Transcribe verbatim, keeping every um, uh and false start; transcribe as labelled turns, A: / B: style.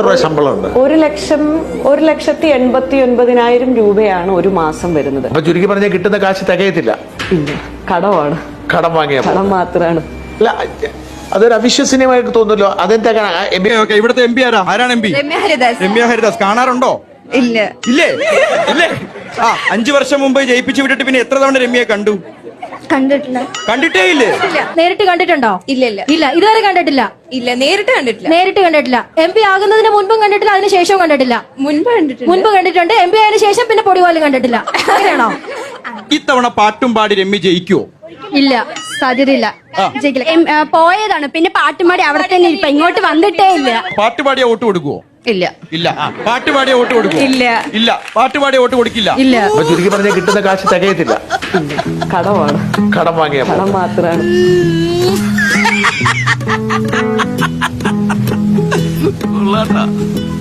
A: രൂപ ശമ്പളം ഉണ്ട്.
B: ഒരു ലക്ഷം ഒരു ലക്ഷത്തി എൺപത്തി ഒൻപതിനായിരം രൂപയാണ് ഒരു മാസം വരുന്നത്.
A: അപ്പൊ ചുരുക്കി പറഞ്ഞാൽ കിട്ടുന്ന കാശ് തികയത്തില്ല.
B: ഇല്ല, കടമാണ്.
A: കടം വാങ്ങിയ
B: കടം മാത്രമാണ്.
A: അല്ല, അതൊരു അവിശ്വസനീയമായിട്ട് തോന്നുമല്ലോ. അതെന്താ?
C: ഇവിടുത്തെ എം പി ആരാ? ആരാണ് എം പി? രമ്യ ഹരിദാസ്. കാണാറുണ്ടോ?
D: ഇല്ല.
C: ഇല്ലേ? ഇല്ലേ? ആ, അഞ്ചു വർഷം മുമ്പ് ജയിപ്പിച്ചു വിട്ടിട്ട് പിന്നെ എത്ര തവണ രമ്യയെ കണ്ടു?
D: കണ്ടിട്ടില്ല.
C: കണ്ടിട്ടേ ഇല്ലേ?
E: നേരിട്ട് കണ്ടിട്ടുണ്ടോ?
D: ഇല്ല ഇല്ല
E: ഇല്ല, ഇതുവരെ കണ്ടിട്ടില്ല.
D: ഇല്ല, നേരിട്ട് കണ്ടിട്ടില്ല.
E: നേരിട്ട് കണ്ടിട്ടില്ല. എം പി ആകുന്നതിന് മുൻപും കണ്ടിട്ടില്ല, അതിന് ശേഷവും കണ്ടിട്ടില്ല.
D: മുൻപ് കണ്ടിട്ടുണ്ട്.
E: മുൻപ് കണ്ടിട്ടുണ്ട്. എം പി ആയതിനു ശേഷം പിന്നെ പൊടി പോലും കണ്ടിട്ടില്ല. അങ്ങനെയാണോ?
C: ഇത്തവണ പാട്ടും പാടി രമ്യ ജയിക്കുവോ?
E: ഇല്ല, സാധ്യതയില്ല.
D: പോയതാണ്, പിന്നെ പാട്ടുമാടി അവിടെ തന്നെ ഇരിപ്പ, ഇങ്ങോട്ട് വന്നിട്ടേ ഇല്ല.
C: പാട്ടുപാടിയ വോട്ട് കൊടുക്കുവോ?
D: ഇല്ല
C: ഇല്ല. പാട്ടുപാടിയ വോട്ട് കൊടുക്കുവോ?
D: ഇല്ല
C: ഇല്ല. പാട്ടുപാടിയ വോട്ട് കൊടുക്കില്ല.
D: ഇല്ല.
A: അപ്പൊ ചുരുക്കി പറഞ്ഞാൽ കിട്ടുന്ന കാശ് തികയത്തില്ല.
B: കടമാണ്.
A: കടം വാങ്ങിയ
B: കടം മാത്രമാണ്.